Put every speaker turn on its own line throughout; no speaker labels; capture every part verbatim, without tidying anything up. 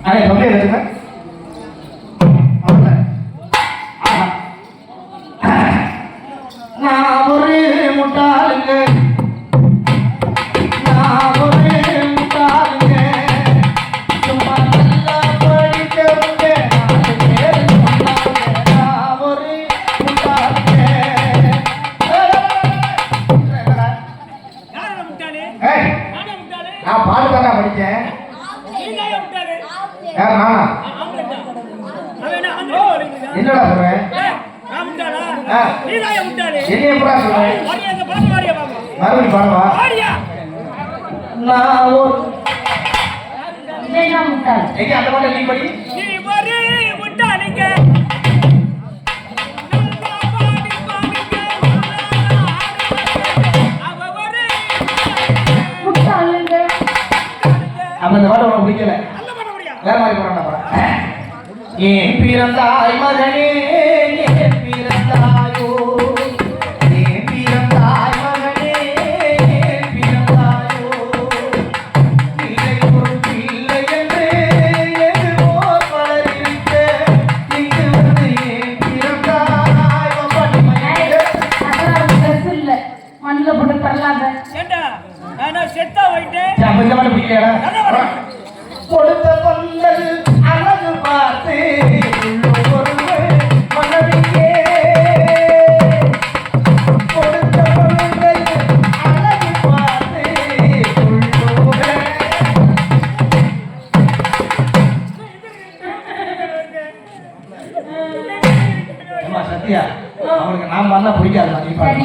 அடே தொண்டை எடுத்துங்க. நான் ஒரு முட்டாளுங்க, நான் ஒரு முட்டாளுங்க, சும்மா நல்லா படிக்கிறவங்க நாலு பேர் சொன்னாங்க. நான் ஒரு முட்டாளுங்க. நான் பாட்டு தானே படிச்சேன். யார் நானா? என்னடா சொல்றேன்? என்னைய எப்படா சொல்றேன்? மறுபடியும் பாடவா? நான் ஒரு எங்க அந்த பாட்டை நீ படி. அப்ப இந்த பாட்டை உனக்கு பிடிக்கல, வேற மாதிரி போறான்டா. ஏன் பிறந்தாய் மகனே, ஏன் பிறந்தாயோ, ஏன் பிறந்தாய் மகனே, ஏன் பிறந்தாயோ, இல்லை ஒரு பிள்ளை என்று எதுவோ பலர் இருக்க, இங்கு வந்து ஏன் பிறந்தாய் மண்ணில் போட்டு தரலாத செத்தா வைட்டு பிடிக்கல. கொடுத்த பொங்கல் அழகு பார்த்து மனதிலே கொடுத்த பொங்கல் அழகு பார்த்து சத்யா அவனுக்கு நான் பண்ண பிடிக்காது.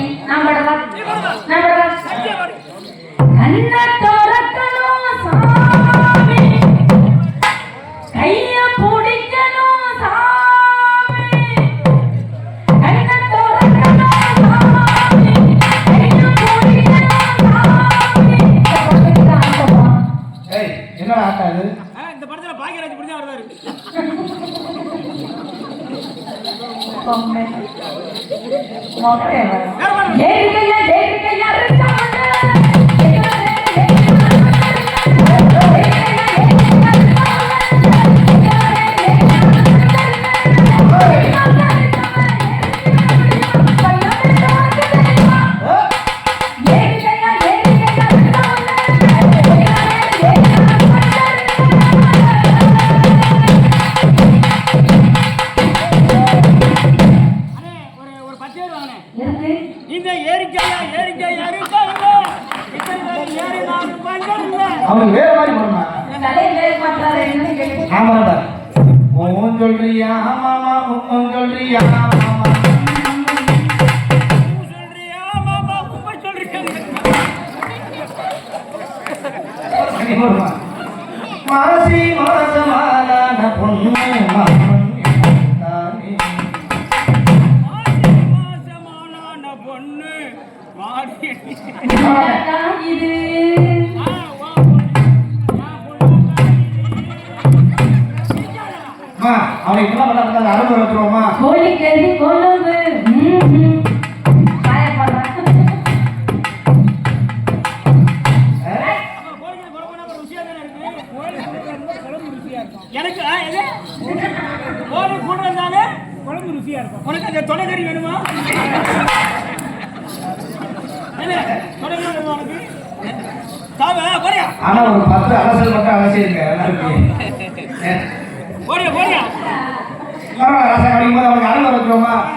என்னடா ஆட்டாது இந்த படத்துல பாக்கியராஜ் இப்படி தான் வருவாரு. அவனுக்கு வேற மாதிரி போடுமா சொல்றியா மாமா சொல்றியா மாமா மாசி மாசமான பொண்ணு பொண்ணு இது அவனை இப்பெல்லாம் பண்ண அறுபது வச்சுருவோமா கோழி கேள்வி கொழும்பு எனக்கு கோழி கூட இருந்தாலே குழம்பு ருசியா இருக்கும். உனக்கு அந்த தொலைக்கறி வேணுமா? ஆனா ஒரு பத்து அரசல் மட்டும் அவசியம் இருக்கு. ரசம் அடிக்கும் போது அவனுக்கு அறுபது வச்சுருவோமா